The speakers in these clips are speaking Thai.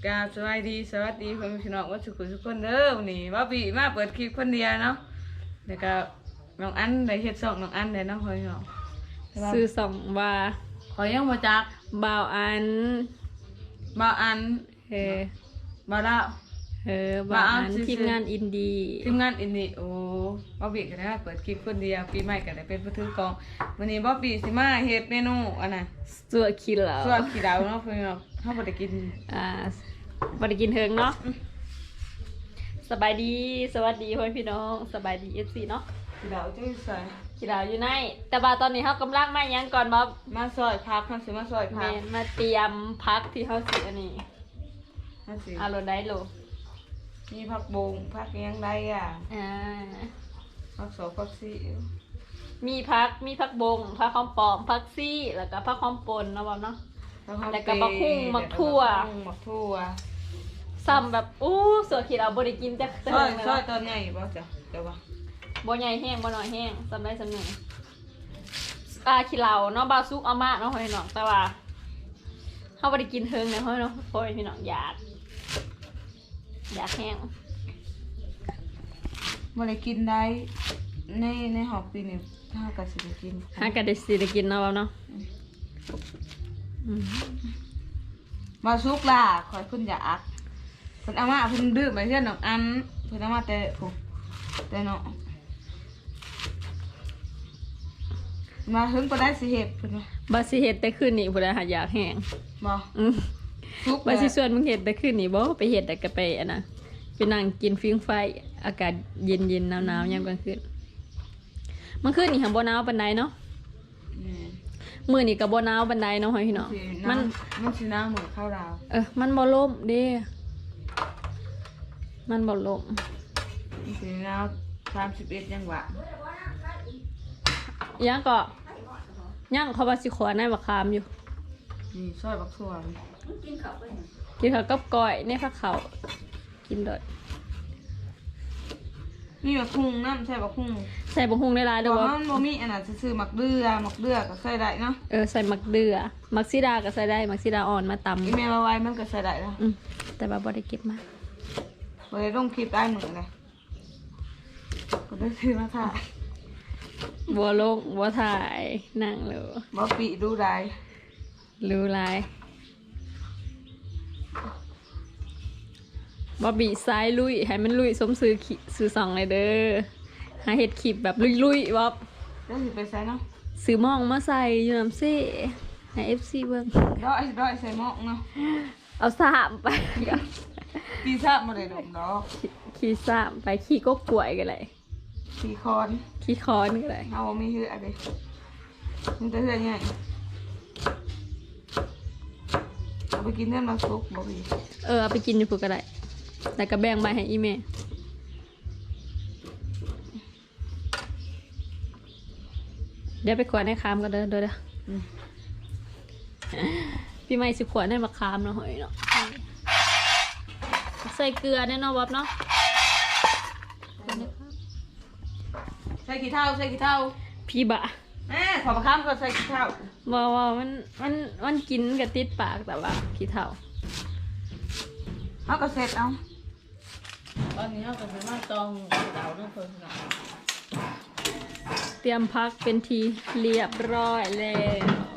กราบสวัสดีพี่น้องว่าสุขุทุกคนเด้อวันนี้ว่าปีมาเปิดคลิปคนเดียวเนาะแล้วก็น้องอันได้เฮ็ดส่องน้องอันได้เนาะเฮ้ยเนาะซื้อส่องว่าขอยังบ่จักบ่าวอันบ่าวอันบ่าวละบ่าวอันทีมงานอินดี้โอ้บ่ปีก็ได้เปิดคลิปคนเดียวปีใหม่ก็ได้เป็นผู้ถือกองวันนี้บ่ปีสิมาเฮ็ดเมนูอันน่ะสัวขี้เหลาเนาะเพิ่นเนาะเฮาบ่ได้กินบ่ได้กินเฮิงเนาะสบายดีสวัสดีพ่อพี่น้องสบายดี FC เนาะขี้เหลาจุ้ยใส่ขี้เหลาอยู่ในแต่ว่าตอนนี้เฮากำลังมาหยังก่อนบ่มาซอยพักเฮาสิมาซอยพักแม่นมาเตรียมพักที่เฮาสิอันนี้เอาโลได้โลมีผักบงผักยังไดผักโสผักซีมีผักบงผักหอมปอมผักซี่แล้วก็ผักหอมป่นเนาะบ่เนาะแล้วก็บักหุ่งบักทั่วซ้ำแบบสัวขี้เราบ่ได้กินจักเทื่อเลยซอยตอนใหญ่บ่จ้ะเดี๋ยวบ่ใหญ่แห้งบ่น้อยแห้งซ้ำได้ซ้ำหนึ่งขี้เราเนาะบาซุกเอามาเนาะพี่น้องแต่ว่าเฮาบ่ได้กินเทิงเนาะเนาะพ่อพี่น้องอยากแห้งบ่ได้กินได้ในหอบปีนี้ถ้าก็สิได้กินได้กินเนาะเนาะมาซุกล่ะขอยเพิ่นอยากเพิ่นเอามาเพิ่นดื้อไปเพื่อนน้องอันเพิ่นเอามาแต่เนาะมาถึงบ่ได้สิเฮ็ดเพิ่นว่าบ่สิเฮ็ดแต่คืนนี้บ่ได้หาอยากแห้งบ่ซุกบ่สิชวนมึงเฮ็ดแต่คืนนี้บ่ไปเฮ็ดแต่ก็ไปอันน่ะไปนั่งกินฟิงไฟอากาศเย็นๆหนาวๆยามกลางคืนมันคืนนี่หันบ่หนาวปานใดเนาะมื้อนี้ก็บ่หนาวปานใดเนาะพี่น้องมันสิหนาวเหมือนข้าวดาวมันบ่ลมเด้มันบ่ลมมันสิหนาว31ยังหวะยังก็ยังเขาว่าสิขอในบักขามอยู่นี่ซอยบักถั่วกินข้าวกับก้อยในผักข้าวกินโดดมีบักหุ่งน้ำใส่บักหุ่งได้หลายเด้อบ่มันบ่มีอันน่ะซื้อหมักเดือก็ใส่ได้เนาะใส่หมักเดือหมักซีดาก็ใส่ได้หมักซีดาอ่อนมาตำอีเมลไว้มันก็ใส่ได้แล้วแต่ว่าบ่ได้เก็บมาบ่ได้ลงคลิปได้เหมือนเลยก็ได้ซื้อมาถ่ายบัวลงบัวถ่ายนั่งเลยบ่ปีดูได้รู้ลายบ่บีซ้ายลุยให้มันลุยสมซื้อสองเลยเด้อหาเห็ดขีบแบบลุยบ๊อบแล้วสิไปใส่เนาะซื้อหม้องมาใส่อยู่น้ำเซ่ให้ FC เบิ่งร้อยใส่หม้องเนาะเอาสามไปขี่สามบ่ได้ดมดอกขี่สามไปขี่กกล้วยกันเลยขี่คอนก็ได้เอามีเหืออะไรมันจะเหือไงเอาไปกินเนื้อมาซุกบ่พี่เอาไปกินอยู่พวกก็ได้แต่ก็แบ่งใบให้อีเมเดี๋ยวไปขวดให้คามก็เด้อพี่ไม่สิขวดให้มาคามเนาะเฮ้ยเนาะใส่เกลือแน่นอนบ๊อบเนาะใส่ขี้เถ้าพี่บะขอมาข้ามก็ใส่ขี้เถ้าว่ามันกินกับติดปากแต่ว่าขี้เถ้าเขาก็เสร็จเอาตอนนี้เขาก็จะมาตองเตาด้วยคนละเตรียมพักเป็นทีเรียบร้อยเลย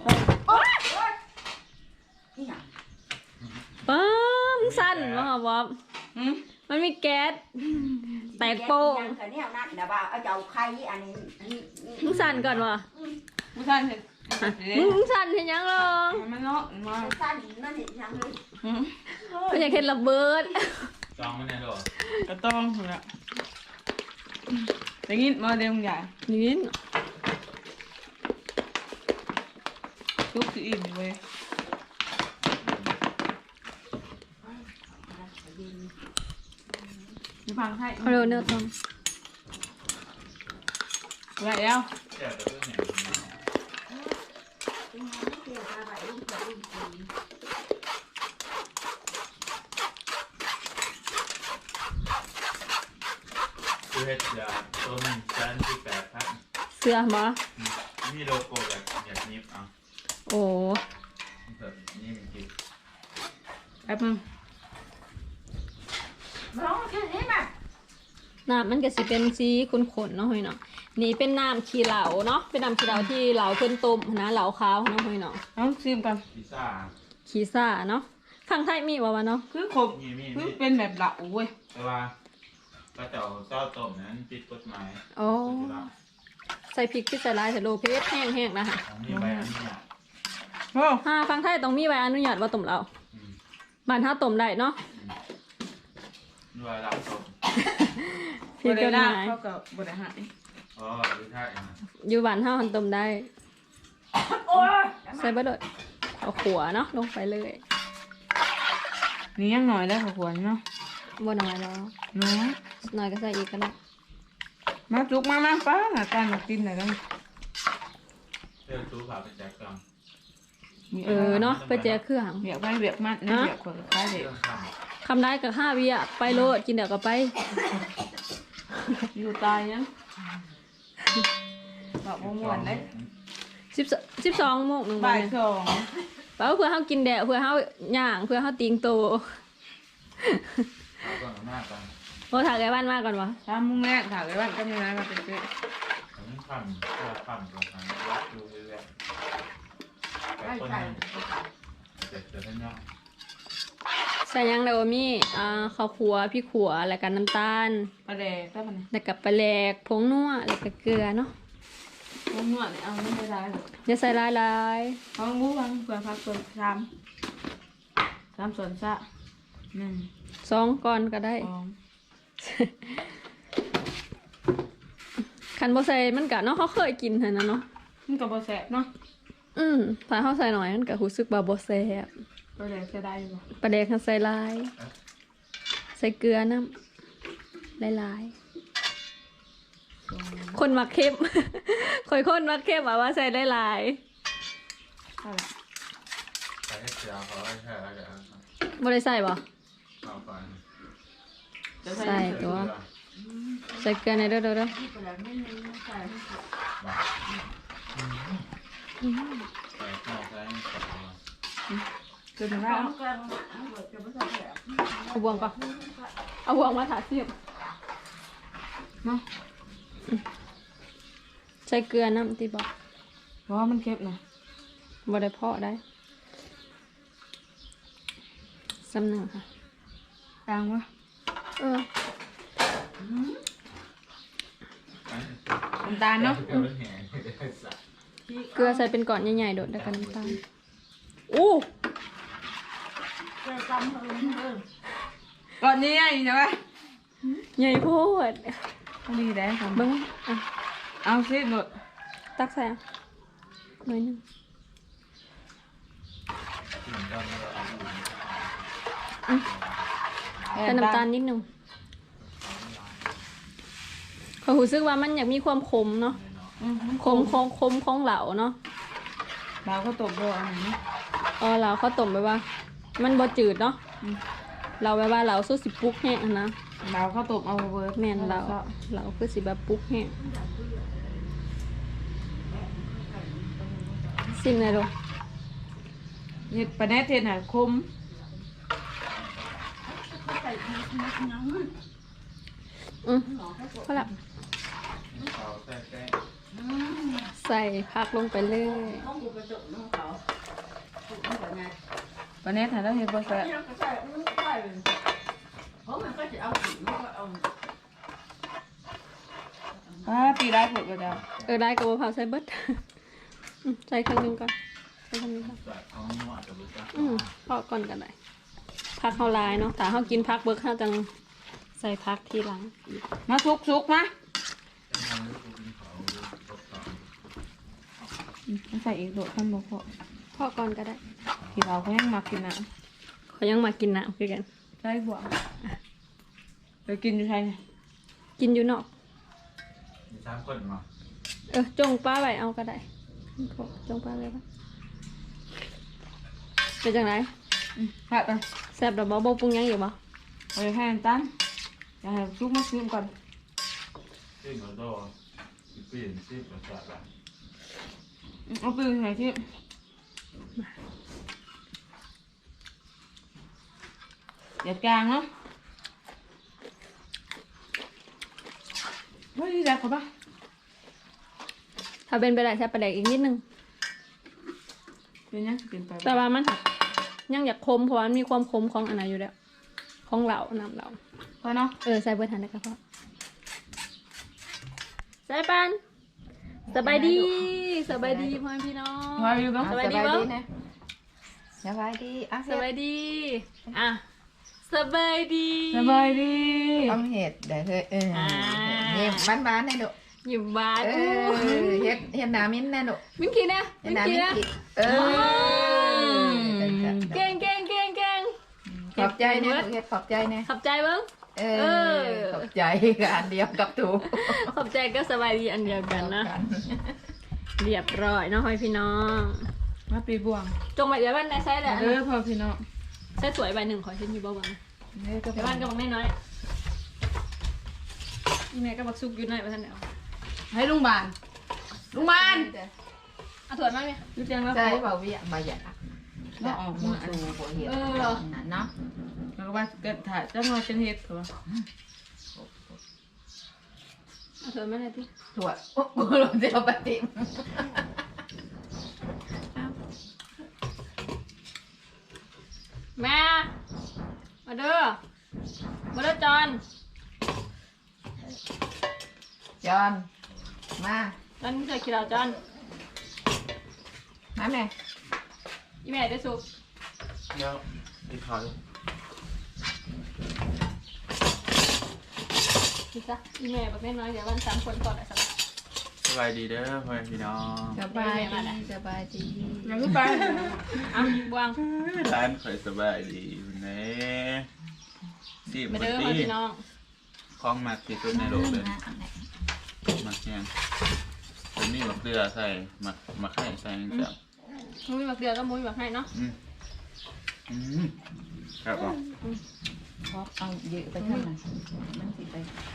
ปั๊มสั้นวะครับบ๊อบมันมีแก๊สแตกโป้งมึงสั่นก่อนวะมึงสั่นเห็นยังลองมันเนาะมาสั่นนั่นเห็นยังเลยมันอยากเห็นระเบิดจองมันแน่ด้วยก็ต้องละอย่างนี้มาเดี๋ยวมึงใหญ่นี่ทุกสิ่งเว้ยมีพังให้เอาเนื้อต้มอะไรแล้วเฮ็ดยาต้นจันที่8,000 เสื้อมามีโลโก้แบบอย่างนี้อ่ะโอ้แบบนี้มันกินแป๊บนึงน้ำมันก็สิเป็นสีขุ่นๆเนาะเฮ้ยเนาะนี่เป็นน้ำขี้เหลาเนาะเป็นน้ำขี้เหลาที่เหลาเพิ่นต้มนะเหลาขาวเนาะเฮ้ยเนาะเอาซิมกันพิซซ่าขี้ซ่าเนาะข้างไทยมีบ่วะเนาะคือขบมีคือเป็นแบบเหลาเว้ยแต่ว่าก็เจ้าเจ้าต้มนั้นผิดกฎหมายโอ้ใส่พริกที่ใส่ลายใส่โลเพชรแห้งๆนะคะของมีใบอนุญาตโอ้ฟังไทยต้องมีใบอนุญาตว่าต้มเหลาอืมบ้านเฮาต้มได้เนาะด้วยเราต้มผิดกฎหมายเขากับบริหารอ๋อหรือถ้าอย่างนั้นอยู่บ้านเฮาหันต้มได้โอ้ยใส่เบ่ดดเอาขัวเนาะลงไปเลยนี่ยังหน่อยได้ขวรเนาะบ่น้อยแล้วน้อยน้อยก็ใส่อีกก็ได้มาจุกมาป้าหน้าตามากินหน่อยกันเรื่องตู้ผ่าไปแจกกล่องเนาะไปแจกเครื่องเบียกไปเบียกมันนะเบียกคนคล้ายเด็กเรื่องข้ามคำได้กับ5วิอ่ะไปโลดกินเดี๋ยวก็ไปอยู่ตายยังบอกว่าม่วนเลย 12โมงหนึ่งบ่ายเนี่ยสองเปล่าเพื่อเฮากินแดดเพื่อเฮาย่างเพื่อเฮาติงโตเอาก่อนมากก่อนโอ้ถากไอ้บ้านมาก่อนวะถ้ามุ่งแรกถามเลยว่าก็มีอะไรมาเป็นเพื่อนผมข้ามเพื่อข้ามตรงทางวัดดูเรื่อยๆแต่คนนึงเจ็บจะท่านย่อใส่หยังเดี๋ยวมีข้าวขัวพริกขัวแล้วก็น้ำตาลปลาแดกได้ปะเนี่ยแล้วก็ปลาแหลกผงนัวแล้วก็เกลือเนาะพวกนวดเนี่ยเอาไม่ได้หรอกอย่าใส่หลายเอาบู๊วังเผื่อพักเผื่อสามส่วนซะหนึ่งๆ2ก่อนก็ได้สองคันบ่ใส่มันก็เนาะเขาเคยกินหั่นน่ะเนาะมันกับบแสบเนาะถ้าเฮาใส่หน่อยมันก็รู้สึกว่าบ่แซ่บปลาแดกจะได้อยู่ปะปลาแดกคันใส่หลาย ใส่เกลือน้ำหลายๆคนมักเข้ม คนมักเข้มว่าใส่หลายเท่าไหร่ใส่ให้เสียเขาให้แค่อะไรกันๆบ่ได้ใส่บ่เอาก่อนจะใส่ตัว ใส่เกลือในอยเด้อบ้าๆใส่ข้าวใส่ใส่เกินไปแล้วเอาบวงก่อนเอาบวงมาถาเสียบเนาะใส่เกลือน้ำตีบอกเพราะว่ามันเค็มนะบ่ได้เพาะได้สำนึงค่ะกลางวะเออน้ำตาลเนาะเดี๋ยวมันแห้งได้สักเกลือใส่เป็นก้อนใหญ่ๆโดดแล้วกันน้ำตาลอู้ก่อนนี้ไงใช่ไหมใหญ่โพดพอดีได้ครับเบิ้งอ่ะเอาสิหนดตักใส่อ่ะหน่อยหนึงที่เหมือนกันเราเอาอยู่ใส่น้ำตาลนิดหนึงเขารู้สึกว่ามันอยากมีความขมเนาะ ขมของเหลาเนาะเราก็ตบโดนอันนี้เหลาเขาต้มไปว่า มันบ่จืดเนาะเราไปว่าเหลาสู้สิปุกแห้งอะนะเราก็ตบเอาเวิร์ดแม่นเหลาคือสิแบบปุกแห้งซิมเลยดูเห็ดปลาแนทเห็ดหน่ะคมพอละเอาแท้แท้ใส่ผักลงไปเลยปลาแนทหาแล้วเห็ดปลาแสบปีได้ผลก็ได้ได้กับมะพร้าวใส่เบิด ใส่ครั้งหนึงก่อนใส่ครั้งนึงก่อนแบบเขาหนวดกับลูกจ้าพอก่อนกันได้ผักเขาลายเนาะถ้าเขากินผักเบิกเขาจังใส่ผักทีหลังมาสุกมาเป็นทางลูกกินเขาตกต่อใส่อีกโดดขั้นบกพอพอก่อนก็ได้ที่เราเขายังมากินน้เขายังมากินน้ำคือกันำใช่บวกไปกินอยู่ไทยเนี่ยกินอยู่นอกมีสามคนมาจงป้าไว้เอาก็ได้จงป้าเลยปะเป็นจังไรค่ะไปแซ่บดอกบ่ปรุงหยังอยู่บ่ไปให้น้ำตาลอย่าให้ซุกมาซื้อก่อนซึ่งเราโดนเปลี่ยนซีประสาทละเอาปืนไหนที่เดี๋ยวกลางเนาะแล้วเขาปะถ้าเป็นไปได้ใช้ปลาแดกอีกนิดนึงเป็นยังเป็นไปแต่ว่ามันยังอยากคมเพราะว่ามันมีความคมของอันไหนอยู่แล้วของเหล่าน้ำเหล่าพอเนาะใส่เบอร์ทันได้ก็พอใส่ปันสบายดีพ่อแม่พี่น้องว่าอยู่บ้างสบายดีบ่นะสบายดีอ่ะสบายดีอ่ะสบายดีสบายดีต้องเห็ดเดี๋ยวเธอเนี่ยบ้านๆแน่ดุอยู่บ้านเห็ดหนามิ้นแน่ดุมิ้นกี้นะเห็ดมิ้นหนากี้มิ้นนะกิเก่งขอบใจเนี่ยเห็ดขอบใจเนี่ยขอบใจเบิ้งขอบใจกับอันเดียวกับถูกขอบใจก็สบายดีอันเดียวกันนะเรียบร้อยเนาะพ่อพี่น้องมาปีบวงจงไปเดี๋ยวบ้านได้ใช้แหละพอพี่น้องใช้สวยใบหนึ่งขอชิ้นอยู่บ้างเด้อก็เดี๋ยวบ้านก็บอกน้อยอีเมลก็บอกซุกอยู่หน่อยไปท่านเดียวให้ลุงบานเอาถั่วมาไหมรู้จังแล้วใช่เปล่าวิมาหยาเราออกมาอันดูหัวเห็ดเนาะแล้วก็ว่าเกิดถ่ายจังเราเป็นเฮ็ดเขาเอาถั่วมาเลยพี่ถั่วกูลงเจียวปฏิมแม่มาเด้อจอนจอนมาจอนเคยคิดเราจอนมาแม่อีเมลได้ซุกเดี๋ยวอีกคอยคิดซะอีเมลบอกน้อยเดี๋ยววัน3 คนก่อนอะสักสบายดีเด้อพ่อแม่พี่น้องสบายดีสบายดียังก็ไปเอาบวงร้านข่อยสบายดีแน่สิบมาวันเด้อดีพี่น้องคล้องมากที่สุดในโลกเลยมากเนี่ยเป็นนี่มะเกลือใส่มะไข่ใส่จังจับมุ้ยมาเกลือก็มุ้ยมาให้เนาะครับผมเพราะเอาเยอะไปข้างในมันสิไป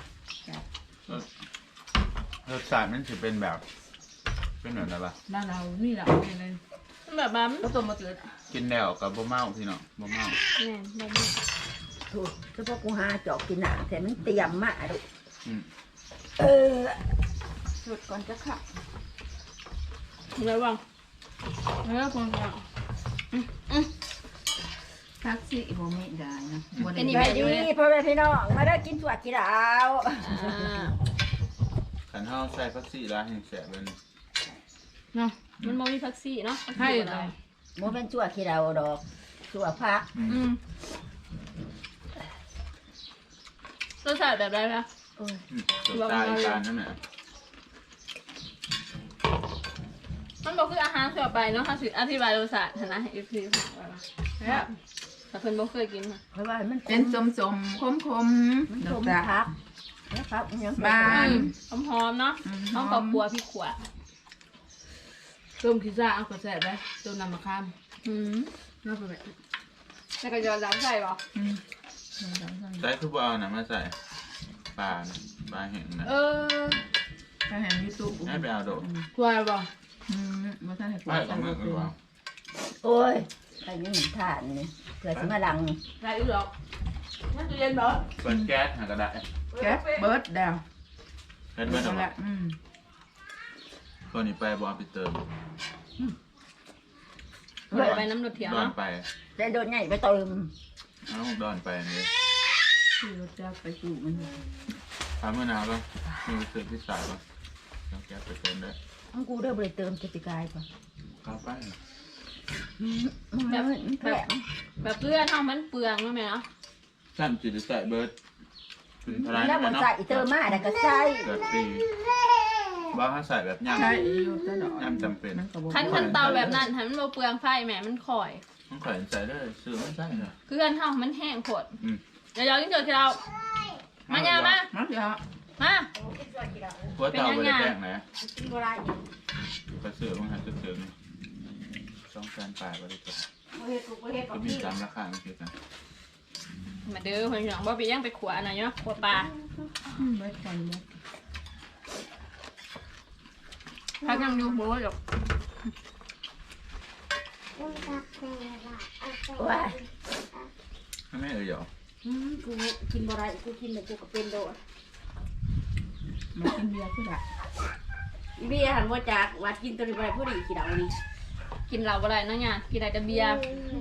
รสชาติมันจะเป็นแบบเป็นแบบไหนบ้างบ้านเรานี่แหละอะไรแบบบ้าก็ต้มมาเกิดกินแล้วกับบ่เมาพี่น้องบ่เมาแม่แบบถูกเฉพาะกูหาจอกกินหนาแต่มันเตรียมมาดูอืมสุดก่อนจะขับระวังคนก็ทักซี่โมเมนได้นะเป็นอีไปเมลดีอยู่เลยพ่อแม่พี่น้องมาได้กินสวัสดีดาวขันเท้าใส่พักซี่ร้านแห่งแสบเลยเนาะมันโมมีพักซี่เนาะให้เลเรายโมเป็นสวัสดีดาวดอกสวัสพักรสชาติแบบไรนะตัวตายการนั่นแหละมันบอกคืออาหารทั่วไปเนาะถ้าสิอธิบายรสชาตินะอีพีค่ะแล้วแต่เพิ่นบ่เคยกินค่ะเพราะว่ามันเป็นสมคมมันดสอกมตาพักแล้วครับยังบ้านหอมๆเนาะต้องกับบัวพริกขวดต้มขี้ซ่าเอากระแสได้ต้มน้ำมะขาม น่าไปแบบแล้วก็ยอดใส่ป่ะใส่ทุบเอาหนังมาใส่ปลานะปลาแห้งนะถ้าเห็นยูทูบให้ไปเอาโดดกลัวบ่มาท่านให้กูไปกับมือหรือเปล่าโอ้ยไอ้นี่ทานนี่เกิดมาลังได้อีกหรอกนั่นจะเย็นบ่เปิดแก๊สหากระดาษแก๊สเบิร์ดดาวเฮ็ดเมื่อไหร่ละตัวนี้ไปบอลไปเติมไปน้ำรดเถียวดอนเนาะไปแต่โดนใหญ่ไปเติมเอาดอนไปเลยที่รถจักรไปสู่มันทำเมื่อนานป่ะมีเติมที่สายป่ะแล้วแก๊สไปเติมได้อังกูเด้อบริเติมจะปีกายป่ะเข้าไปแผลแบบเพื่อนเท่ามันเปลืองใช่ไหมเนาะสั้นจิตใส่เบิร์ดถึงเท่าไรแล้วบนะนเนาะใส่เติมมาแต่ก็ใส่เกิดปีบ้าถ้าใส่แบบย่ำใช่อยู่ตลอดคันเตาแบบนั้นให้มันบ่เปลืองไฟแหมมันข่อยต้องข่อยใส่ได้ซื้อไม่ใช่เหรอเพื่อนเท่ามันแห้งโคตรอืมเดี๋ยวกินเจอที่เรามาเนี่ยมามาเดี๋ยวมาหัวเตาไปได้แป้งไหนกินบ่ได้ไปซื้อมั้งฮะซื้อนี่200,000 บาทไปได้จ้ะบ่เฮ็ดกูบ่เฮ็ดก็มีตามราคาเมื่อกี้กันมาเด้อเพื่อนพี่น้องบ่ไปย่างไปขวอันไหนเนาะขวปลาเบิร์ดก่อนเบิร์ดพักยังอยู่บ่หรอกว่าให้แม่เอ๋ยเหรอกูกินบ่ได้กูกินแต่กูก็เป็นโดดมากินเบียร์คือละเบียร์หันว่าจากวัดกินตัวนี้ไปผู้ดีกี่ดาวนี่กินเหล้าบ่ได้เนาะเนี่ยกินได้แต่เบียร์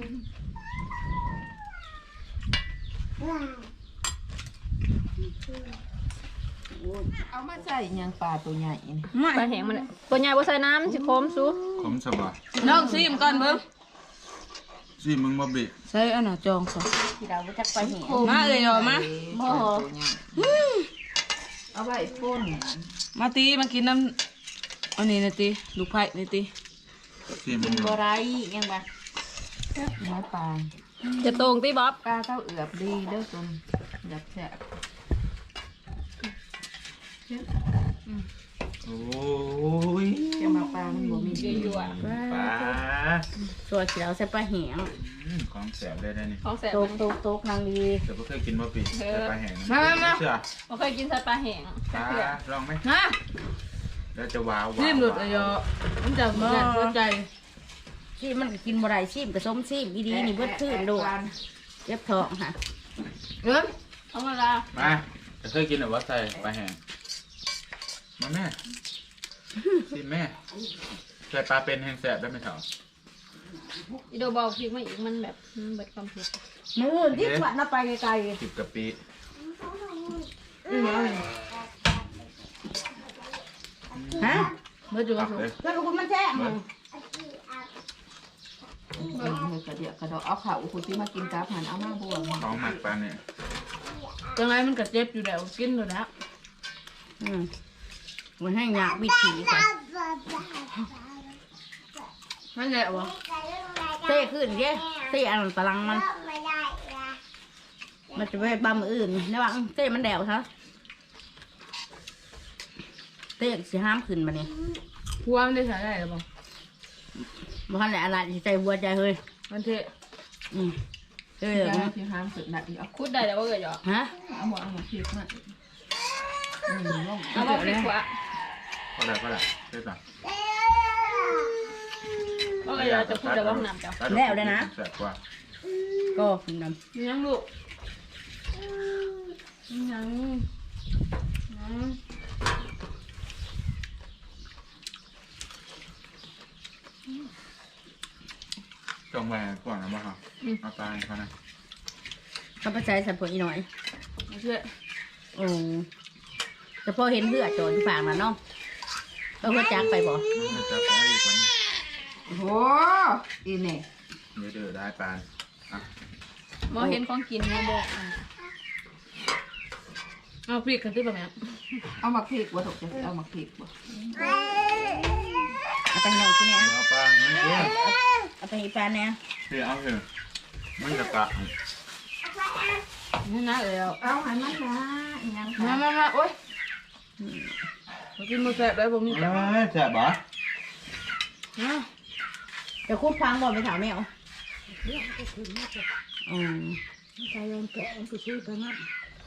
เอามาใส่หยังปลาตัวใหญ่นี่ปลาแห้งมันตัวใหญ่บ่ใส่น้ำมันสิคมสุขมสบายน้องซิมก่อนเบิ่งสิมึงบ่บิใส่อันน่ะจองซะกี่ดาวว่าจากไปเห็นมาเอ้ยเอามาบ่ตัวใหญ่เอาไว้พ่นมาตีมากินน้ำอันนี้นะตีลูกไผ่นี่ตีสิมึกิงนบ่ไรยังบ่น้อยปลาจะตรงติบ๊อบปลาเต้าเอือบดีเด้อจนอยากแซ่บโอ้ยจะมาปลามันบ่มียั่วปลาส่วนกี่ดาวใส่ปลาแห้งของแสบเลยได้นี่ๆของแซ่บโตกโตกโตกนางดีแต่บ่เคยกินบ่ปีแต่ปลาแห้งมาเชื่อบ่เคยกินใส่ปลาแห้งปลาลองไหมฮะแล้วจะว้าวซิมหลุดเลยมันจะมาสนใจชีมันก็กินบ่ได้ชีมกับส้มชีมอีดีนี่เบิดขึ้นโดดเจ็บท้องค่ะเอิ้นธรรมดามาจะเคยกินหรือว่าใส่ปลาแห้งมาแม่สิแม่ใส่ปลาเป็นแห้งแสบได้ไหมเถาอีโดบอกพริกมาอีกมันแบบมันเบิดความเผ็ดมื้ออื่นที่ขวัญน่ะไปไกล 10กะปิๆฮะเมื่อจุกตักเลยแล้วลูกมันแท้งเบิดเมื่อกระเดียกกระดอกเอาข้าวคุณที่มากินกับหันเอามาบวงของหมักปลาเนี่ยจังไรมันก็เจ็บอยู่แล้วกินอยู่แล้วมันให้ยากวิธีค่ะนั่นแหละวะเต้ขึ้นเด้เต้อันตะลังมันจะไปบำมืออื่นระวังเต้มันแดวซะเต้สิห้ามขึ้นมาเนี่ยพัวมันได้ใส่ได้หรือเปล่าบ่ทันได้อะไรสิใจหัวใจเฮ้ยมันเทะเฮ้ยจะที่ห้ามสุดหนักอีกเอาคุดได้แต่ว่าเกิดหยอกฮะเอาหมดเอาหมดพริกมาลงเอามาพริกขวาก็ได้ได้ได้ต่อเพราะเกิดหยอกจะพูดแต่ว่าห้องน้ำจ้ะแสบกว่าก็ขึ้นนมียังลูกมียังจงแหวนก่อนนะบ้าเอาตายเขานะำข้าพเจ้าสับผลอีหน่อยมาเชื่อโอ้แต่พอเห็นเลือดโจรที่ปากมันเนาะก็เพื่อจักไปบ่จะไปอีกคนโอ้โหอีนี่เดือดได้ปานอ่ะหมอเห็นของกินมาบอกเอาพริกกันที่แบบนี้เอามาพริกบ่ถูกจะเอามาพริกบ่เอาไปให้น้องกินเนี่ยเอาปลาเนี่ยเอาไปให้แฟนเนี่ยเดี๋ยวเอาเถอะมันจะกะนี่นะเอ๋วเอาหันมันนะอีหยังมาโอ๊ยกินมือแสบได้ผมมีแต่แสบบ่เดี๋ยวคุ้มพังบ่ไปถามแมวใจเย็นแกะมันไปซื้อไปงั้น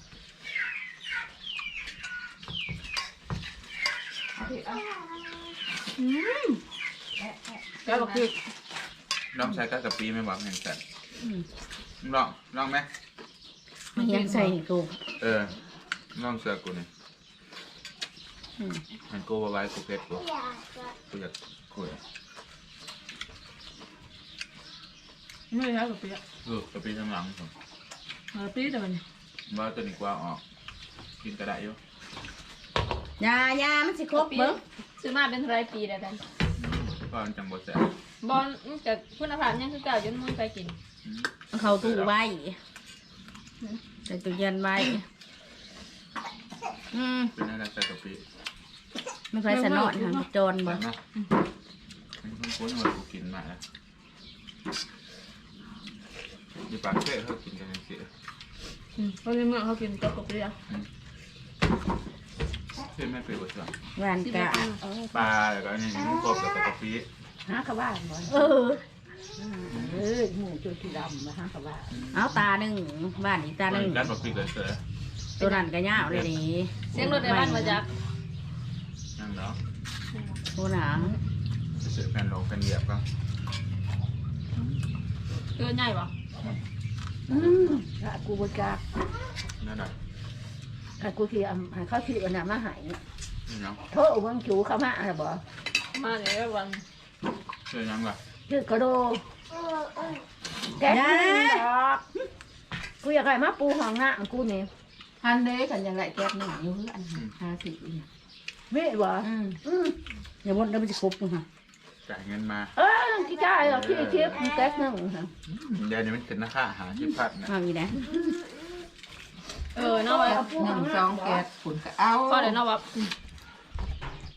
แกบอกคือลองใช้กะปิไม่หวังแห่งแสบลองไหมมันยังใส่กูลองเสือกูนี่มันกูไว้กูเพชรกูกูอยากคุยไม่ใช่กับเปียกะปิข้างหลังผมปีแต่มันว่าตัวนี้กว่าออกกินกระได้อยู่ยามันสิครบเบิ้งซื้อมาเป็นรายปีแล้วกันก็จังบดแสบบอลจากคุณภาพยังคือเก่าจนมึงไปกินเขาตู้ไว้ใส่ตู้เย็นไว้เป็นอะไรใส่กะปิไม่ค่อยสนอนค่ะจนบ่เนาะมันคุ้นๆว่ากูกินมาแล้วมีปากเซ่เขากินกันเสียเขาในเมืองเขากินกับเปียเพื่อนไม่เคยบดสั่งหวานกะปลาแล้วก็อันนี้มันกบแล้วก็กะปิหากระบ้านบ่เออหมูจุดที่ดำมาหากระบ้านเอาตาหนึ่งบ้านอีกตาหนึ่งกัดกะปิเลยเสือตัวนั้นก็ยาวเลยนี่เสียงรถในบ้านมาจากนั่นเนาะตัวหนังเสือแผ่นลงแผ่นเหยียบก็เกินใหญ่ปะถ้ากูบ่จักนั่นแหละถ้ากูที่ให้เขาที่อันน่ะมาให้ยังโทษเบิ่งจูเข้ามาน่ะบ่มาแล้ววันชื่อยังล่ะชื่อกระโดแกะดอกกูอยากให้มาปูห้องน้ำกูนี่ฮันเด้กันยังไรแก๊บหนึ่งอยู่เพื่อน50อีกเว้ยบ่อืมอย่าบ่นแล้วมันสิครบมึงฮะจ่ายเงินมากี่จ่ายเหรอพี่เทียบแก๊สนึงฮะเดี๋ยวนี้มันขึ้นราคาหาที่พัดนะเอาอีกนะเนาะว่า 1 2แก๊บฝุ่นก็เอาพอแล้วเนาะว่า